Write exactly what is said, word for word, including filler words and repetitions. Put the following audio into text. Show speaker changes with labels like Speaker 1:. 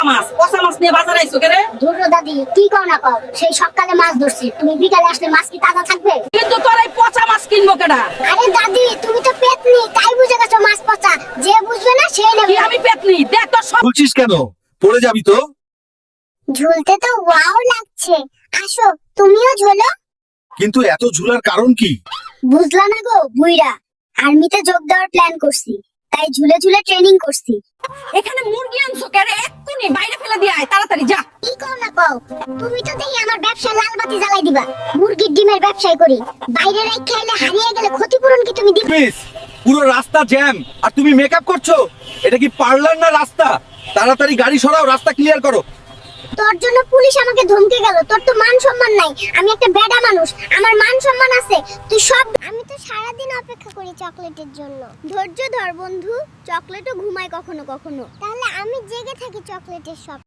Speaker 1: মাছ পচা মাছ নিয়ে বাজারে আইছো কেরে?
Speaker 2: ধরো দাদি কি কও না কও, সেই সকালে মাছ ধরছি, তুমি বিকালে আসলে মাছ কি তাজা থাকবে?
Speaker 1: কিন্তু তোর এই পচা মাছ কিনবো কেডা?
Speaker 2: আরে দাদি তুমি তো পেতনি, তাই বুঝে গেছো মাছ পচা, যে বুঝবে না সে
Speaker 1: কি
Speaker 2: নেবে।
Speaker 1: আমি পেতনি? দেখ তো সব
Speaker 3: বলছিস কেন? পড়ে যাবি তো।
Speaker 2: ঝুলতে তো ওয়াও লাগছে, আসো তুমিও ঝোলো।
Speaker 3: কিন্তু এত ঝুলার কারণ কি?
Speaker 2: বুঝলা না গো বুইড়া, আর্মিতে যোগ দেওয়ার প্ল্যান করছি, তাই ঝুলে ঝুলে ট্রেনিং করছি।
Speaker 1: এখানে মুরগি আনছো কেরে? এক্ষুনি বাইরে ফেলে দিয়ে আয়, তাড়াতাড়ি যা।
Speaker 2: কি কও না কও, তুমি তো দেখি আমার ব্যবসা লাল বাতি জ্বালাই দিবা। মুরগির ডিমের ব্যবসায় করি, বাইরে রেখে এলে হারিয়ে গেলে ক্ষতিপূরণ কি তুমি দিবে?
Speaker 3: মিস, পুরো রাস্তা জ্যাম আর তুমি মেকআপ করছো। এটা কি পার্লার না রাস্তা? তাড়াতাড়ি গাড়ি সরাও, রাস্তা ক্লিয়ার করো।
Speaker 2: তোর জন্য পুলিশ আমাকে ধমকে গেল, তোর তো মান সম্মান নাই। আমি একটা বেডা মানুষ, আমার মান সম্মান আছে। তুই সব আমি তো সারা দিন অপেক্ষা করি চকলেটের জন্য। ধৈর্য ধর বন্ধু, চকলেটও ঘুমায় কখনো কখনো। তাহলে আমি জেগে থাকি চকলেটের সব